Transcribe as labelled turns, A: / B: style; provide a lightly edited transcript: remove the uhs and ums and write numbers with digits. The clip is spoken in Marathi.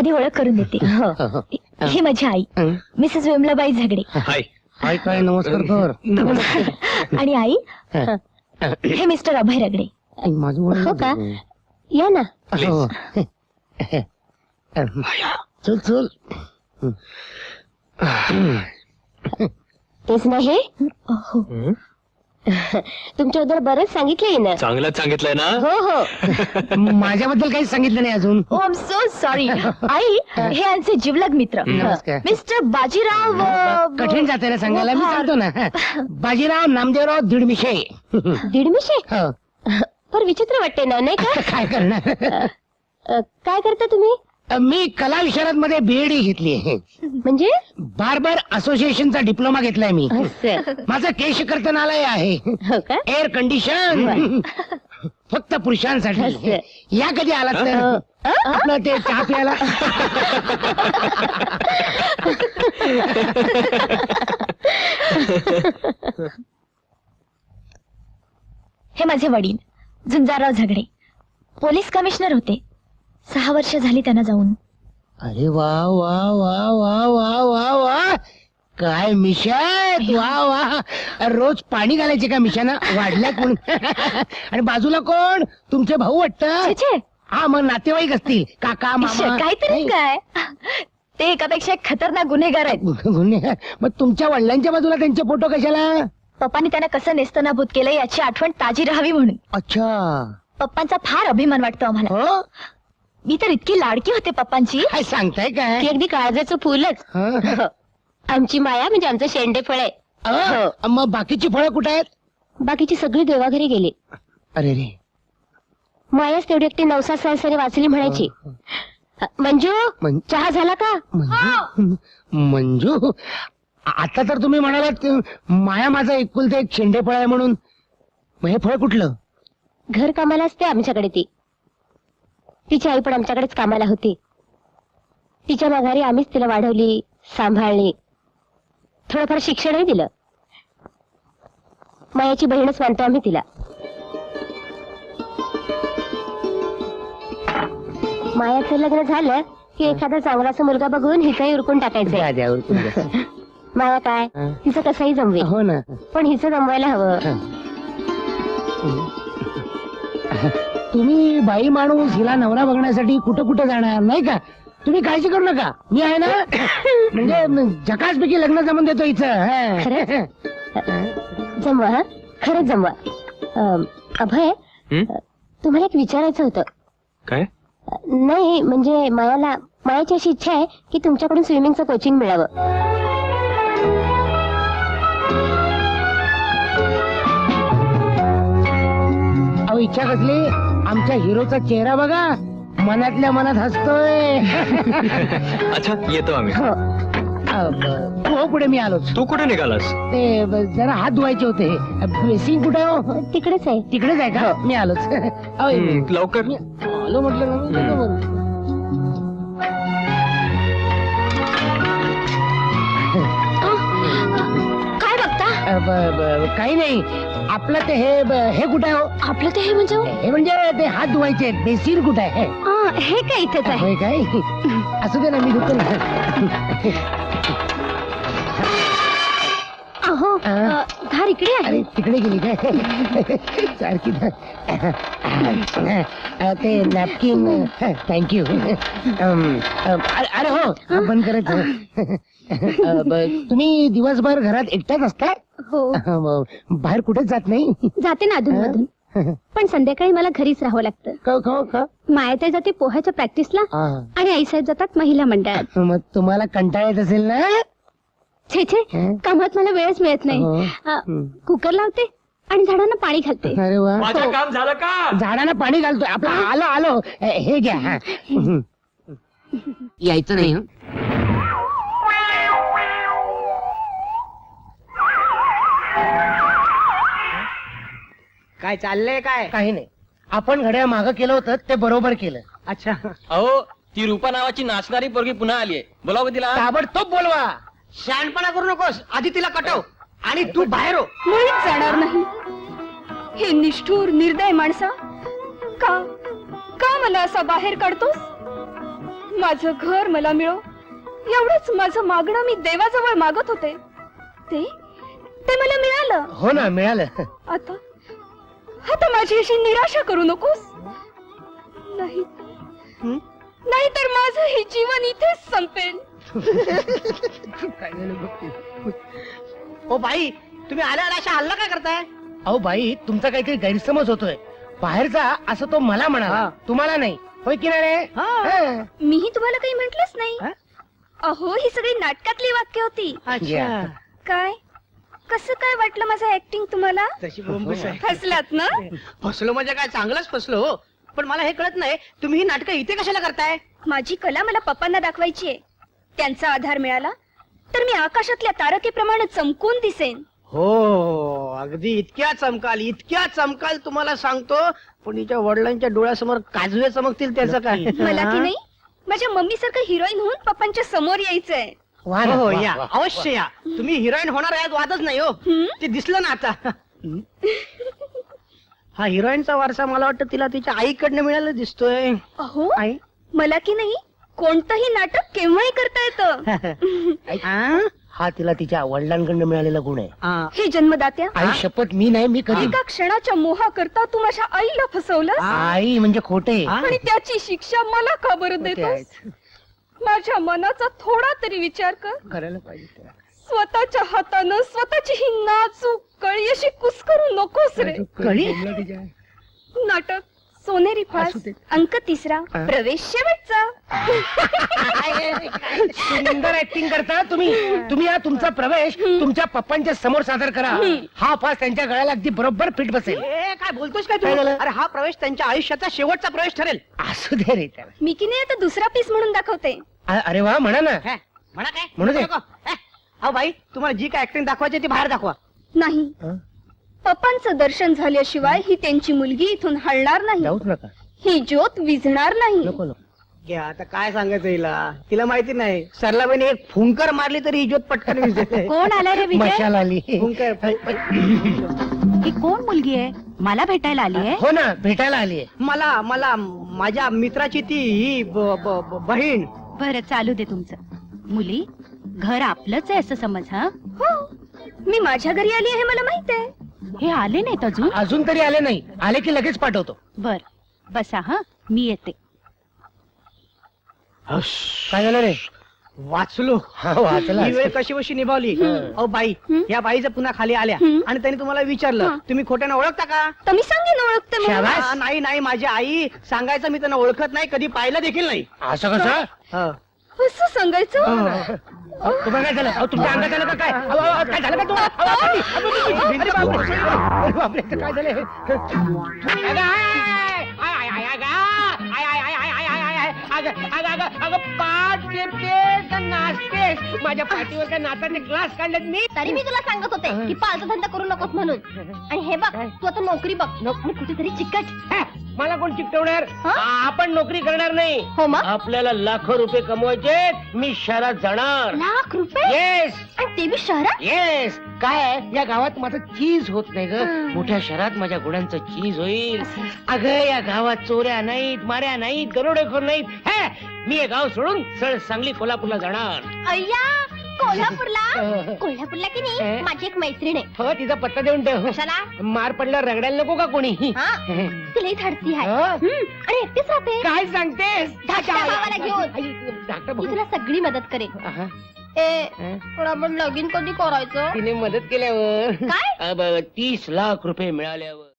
A: आधी ओळख करून देते. ही माझी आई मिसेस विमलाबाई झगडे.
B: हाय.
C: हाय काय नमस्कार कर.
A: आणि आई हे मिस्टर अभय रगडे.
C: माझं
A: हो का? या ना.
C: चल चल.
A: तेच नाही तुमच्याबद्दल बरंच सांगितलंय ना.
B: चांगलंच सांगितलंय ना.
A: हो हो.
C: माझ्याबद्दल काहीच सांगितलं नाही अजून.
A: Oh I am so sorry. आई हे आमचे जिवलग मित्र
C: नमस्कार.
A: मिस्टर बाजीराव.
C: कठीण जाते ना सांगायला. मी सांगतो ना. बाजीराव नामदेवराव दीडमिशे.
A: दीडमिशे. पर विचित्र वाटते ना, नाही का?
C: काय करणार.
A: काय करता तुम्ही?
C: मी कला विशारद मध्ये बीएड घेतली आहे.
A: म्हणजे
C: बार्बर असोसिएशनचा डिप्लोमा घेतलाय मी. माझं केश कर्तनालय आहे.
A: हो का?
C: एअर कंडिशन फक्त पुरुषांसाठी. या कधी आलात तर आपलं ते चहा प्यायला.
A: हे माझे वडील झुंजारराव झगडे पोलीस कमिशनर होते. 6 वर्ष झाली त्यांना जाऊन.
C: अरे वा वा वा वा वा वा वा. काय मिशात. वा वा. रोज पाणी घालायचे का मिशाना वाढल्या कोण. आणि बाजूला कोण तुमचे भाऊ वाटतं.
A: छे,
C: हा मग नातेवाईक असतील काका मामा.
A: काहीतरी काय ते एकापेक्षा एक खतरनाक गुन्हेगार आहेत.
C: गुन्हेगार. मग तुमच्या वडिलांच्या बाजूला त्यांचे फोटो कशाला.
A: पप्पांनी त्यांना कसं नेस्तनाभूत केलं याची आठवण ताजी राहावी म्हणून.
C: अच्छा.
A: पप्पांचा फार अभिमान वाटतो आम्हाला.
C: हो
A: मी तर इतकी लाडकी होते पप्पांची.
C: काय सांगताय काय.
A: ती अगदी काळजाचं फुलच.
C: हं?
A: आमची माया म्हणजे आमचं शेंडे फळ आहे.
C: मग बाकीची फळं कुठे आहेत.
A: बाकीची सगळी देवाघरी गेली.
C: अरे रे.
A: मायाच तेवढी एकटी नवसा सहसरी वाचली म्हणायची. मंजू चहा झाला का.
C: मंजू आता तर तुम्ही म्हणालात माया माझा एकुलते एक शेंडे फळ आहे म्हणून. मग हे फळ कुठलं.
A: घर कामाला असते आमच्याकडे ती. तिची आई पण आमच्याकडेच कामाला होती. तिच्या माघारी आम्हीच तिला वाढवली सांभाळली. थोडंफार शिक्षणही दिलं. मायाची बहीणच मानतो आम्ही तिला. मायाचं लग्न झालं की एखादा चांगलासा मुलगा बघून हिचाही उरकून टाकायचं.
C: द्या उरकून द्या.
A: माया काय तिचं कसंही जमवेल.
C: हो ना.
A: पण हिचं जमवायला हवं.
C: तुम्ही बाई माणूस हिला नवरा बघण्यासाठी कुठं कुठं जाणार नाही का. तुम्ही काळजी करू नका मी आहे ना. म्हणजे झकासपैकी लग्न जमून देतो हिचं.
A: जमवा. खरंच जमवा. अभय तुम्हाला एक विचारायचं होतं.
B: काय.
A: नाही म्हणजे मायाची अशी इच्छा आहे की तुमच्याकडून स्विमिंगचं कोचिंग मिळावं.
C: अहो इच्छा कसली. आमच्या हिरोचा चेहरा बघा मनातल्या मनात हसतोय.
B: अच्छा येतो आम्ही.
C: हो पुढे मी आलोच.
B: तू कुठे निघालास.
C: ते जरा हात धुवायचे होते. बेसिंग कुठे हो.
A: तिकडेच आहे.
C: तिकडेच आहे का. मी आलोच.
B: लवकर.
C: मी आलो म्हटलं ना.
A: काय बघता.
C: काही नाही. आपलं ते हे कुठे आहे हो.
A: आपलं ते हे म्हणजे
C: हे म्हणजे ते हात धुवायचे बेसिन कुठे आहे.
A: हे काय इथेच आहे.
C: होय काय. असू दे ना मी धुतो ना.
A: अहो धार इकडे आहे.
C: अरे तिकडे गेली काय. सारखी ते नॅपकिन. थँक्यू. अरे हो बंद करायचं. तुम्ही दिवसभर घरात एकट्याच असता.
A: हो
C: बाहेर कुठेच जात नाही.
A: जाते ना अधून मधून. पण संध्याकाळी मला घरीच राहावं लागतं. मायाताई जाते पोहाच्या प्रॅक्टिसला आणि आईसाहेब जातात महिला मंडळात.
C: मग तुम्हाला कंटाळा येत असेल ना.
A: छे छे कामात मला वेळच मिळत नाही. कुकर लावते आणि झाडांना पाणी घालते.
C: अरे वा.
B: माझं काम झालं का.
C: झाडांना पाणी घालतोय. आपलं आलो आलो. हे घ्या. यायचं नाही.
D: काय चाललंय काय.
C: काही नाही. आपण घड्याळ मागं केलं होतं ते बरोबर केलं.
D: अच्छा.
E: अहो ती रूपा नावाची नाचणारी पोरगी पुन्हा आलीये. बोलाव का तिला.
C: ताबडतोब बोलवा.
D: शहाणपणा करू नकोस. आधी तिला कटव आणि तू बाहेर हो.
F: मुळीच जाणार नाही. हे निष्ठुर निर्दय माणसा का का मला असा बाहेर काढतोस. माझं घर मला मिळो एवढंच माझं मागणं मी देवाजवळ मागत होते. ते ते मला मिळालं.
C: हो ना, मिळालं.
F: आता आता माझी अशी निराशा करू नकोस. नाही नाही तर माझं हे जीवन इथेच संपेल.
D: ओ बाई, तुम्ही आल्या आल्या अशा हल्ला काय करताय?
C: अहो बाई, तुमचा काहीतरी गैरसमज होतोय. बाहेरचा असं तो मला म्हणाला, तुम्हाला नाही. होय की नाही रे? हा.
F: मीही तुम्हाला काही म्हटलंच नाही.
D: हा?
F: अहो ही सगळी नाटकातली वाक्य होती.
C: अच्छा.
F: काय कसं काय वाटलं माझं ऍक्टिंग तुम्हाला?
D: तशी बोंबच आहे.
F: फसलात ना?
D: फसलो म्हणजे काय, चांगलंच फसलो हो. पण मला हे कळत नाही, तुम्ही ही नाटकं इथे कशाला करताय?
F: माझी कला मला पप्पांना दाखवायची आहे. त्यांचा आधार मिळाला तर मी आकाशातल्या तारकेप्रमाणे चमकून दिसेन.
D: हो, अगदी इतक्या चमकाल तुम्हाला सांगतो. पण हिच्या वडिलांच्या डोळ्यासमोर काजवे चमकतील त्याचं काय?
F: मला की नाही माझ्या मम्मी सारखं हिरोईन होऊन पप्पांच्या समोर यायचंय.
C: वा ना,
D: हो
C: वा,
D: या,
C: वा.
D: अवश्य या. तुम्ही हिरोईन होणार यात वादच नाही हो.
F: हम्म?
D: ते दिसलं ना आता. हा हिरोईनचा वारसा मला वाटतं तिला तिच्या आईकडनं मिळायला दिसतोय.
F: अहो
D: आई
F: मला की नाही कोणतंही नाटक केव्हाही करता येतं.
D: आ?
C: हा तिला तिच्या वडिलांकडनं मिळालेला गुण आहे.
D: आ.
F: हे जन्मदात्या,
C: आई शपथ, मी नाही, मी कधी.
F: एका क्षणाच्या मोहाकरता तू माझ्या आईला फसवलं
C: आई म्हणजे खोटे.
D: आ?
F: आणि त्याची शिक्षा मला का बरं
C: खोटे
F: देतोस?
C: आहेत.
F: माझ्या मनाचा थोडा तरी विचार कर.
C: करायला पाहिजे त्याला.
F: स्वतःच्या हातानं स्वतःची ही नाजूक कळी अशी कुस्करू नकोस रे.
D: कळी?
F: नाटक सोनेरी फास,
C: असू दे.
F: अंक 3, प्रवेश शेवटचा.
C: सुंदर ऍक्टिंग करता तुम्ही. तुम्ही हा तुमचा प्रवेश तुमच्या पप्पांच्या समोर सादर करा. हा फास त्यांच्या गळ्याला अगदी बरोबर फिट बसेल.
D: ए, काय बोलतोस काय
C: काय
D: तू?
C: झालं?
D: अरे हा प्रवेश त्यांच्या आयुष्याचा शेवटचा प्रवेश ठरेल.
C: असू दे रे त्याला.
F: मी की नाही आता दुसरा पीस म्हणून दाखवते.
C: अरे वा, म्हणा ना.
D: हे, म्हणा काय?
C: म्हणू दे.
D: नको. अहो बाई, तुम्हाला जी काय ऍक्टिंग दाखवायची ती बाहेर दाखवा.
F: नाही,
C: हं?
F: पप्पांचं दर्शन झाल्याशिवाय ही त्यांची मुलगी इथून हलणार नाही.
C: जाऊच नका.
F: ही ज्योत विझणार नाही.
C: नको नको.
D: घ्या, आता काय सांगायचं तिला माहिती नाही. सरलाबाईने एक फुंकर मारली तरी ही ज्योत पटकन विझते.
A: कोण आलाय रे विजय?
C: मशाल आली.
D: फुंकर.
A: ही कोण मुलगी आहे? मला भेटायला आली आहे?
C: हो ना, भेटायला आली.
D: मला माझ्या मित्राची ती ही बहीण.
A: बरं, चालू दे तुमचं. मुली, घर आपलंच आहे असं समज. हा,
F: हो, मी माझ्या घरी आली आहे मला माहित आहे.
A: हे आले नाहीत अजून?
C: अजून तरी आले नाही. आले की लगेच पाठवतो.
A: बर, बसा. हा, मी येते.
C: काय झालं रे?
D: वाचलो.
C: हा, वाचला.
D: ही वेळ कशी कशी निभावली. अहो बाई, या बाईचं पुन्हा खाली आल्या आणि त्यांनी तुम्हाला विचारलं, तुम्ही खोट्यानं ओळखता का?
F: तर मी सांगेन ओळखते म्हणून.
C: शाबास.
D: नाही, माझी आई. सांगायचं मी त्यांना ओळखत नाही, कधी पाहिलं देखील नाही.
C: असं कसं?
D: हं.
F: असं सांगायचं?
C: तुम्हाला काय झालं? अहो, तुमच्या अंगात आलं का काय? अहो, अहो, काय झालं का तुम्हाला? अहो, अहो, अरे बापरे. अरे बापरे, इथं काय झालं हे? अगं, अगं, पाठ देतेस का नाचतेस? माझ्या पाठीवर काय नाचाचे क्लास काढलेत मी?
A: तरी मी तुला सांगत होते की पालचा धंदा करू नकोस म्हणून. आणि हे बघ, तू आता नोकरी बघ आणि कुठेतरी चिकट.
C: हे, मला कोण चिकटवणार?
A: हा?
C: आपण नोकरी करणार नाही.
A: हो मग?
C: आपल्याला लाखो रुपये कमवायचे. मी शहरात जाणार.
A: लाख रुपये?
C: येस,
A: आणि ते बी शहरात?
C: येस. काय या गावात माझं चीज होत नाही ग. मोठ्या शहरात माझ्या गुणांचं चीज होईल. अगं, या गावात चोऱ्या नाहीत, माऱ्या नाहीत, दरोडेखोर नाहीत. हे, मी हे गाव सोडून सरळ सांगली कोल्हापूरला जाणार.
A: अय्या, कोल्हापूरला की नाही माझी एक मैत्रीण आहे.
C: हो, तिचा पत्ता देऊन ठेव.
A: कशाला?
C: मार पडल्यावर रगडायला नको का कोणी?
A: हा? ती लई धाडसी आहे.
C: हा?
A: आणि एकटीच राहते.
C: काय सांगतेस?
A: धाकट्या भावाला घेऊन.
C: धाकटा
A: ती
C: भाऊ.
A: तुला सगळी मदत करेल.
C: आहा.
A: पण आपण लगीन कधी करायचं?
C: तिने मदत केल्यावर
A: काय?
C: 30 लाख रुपये मिळाल्यावर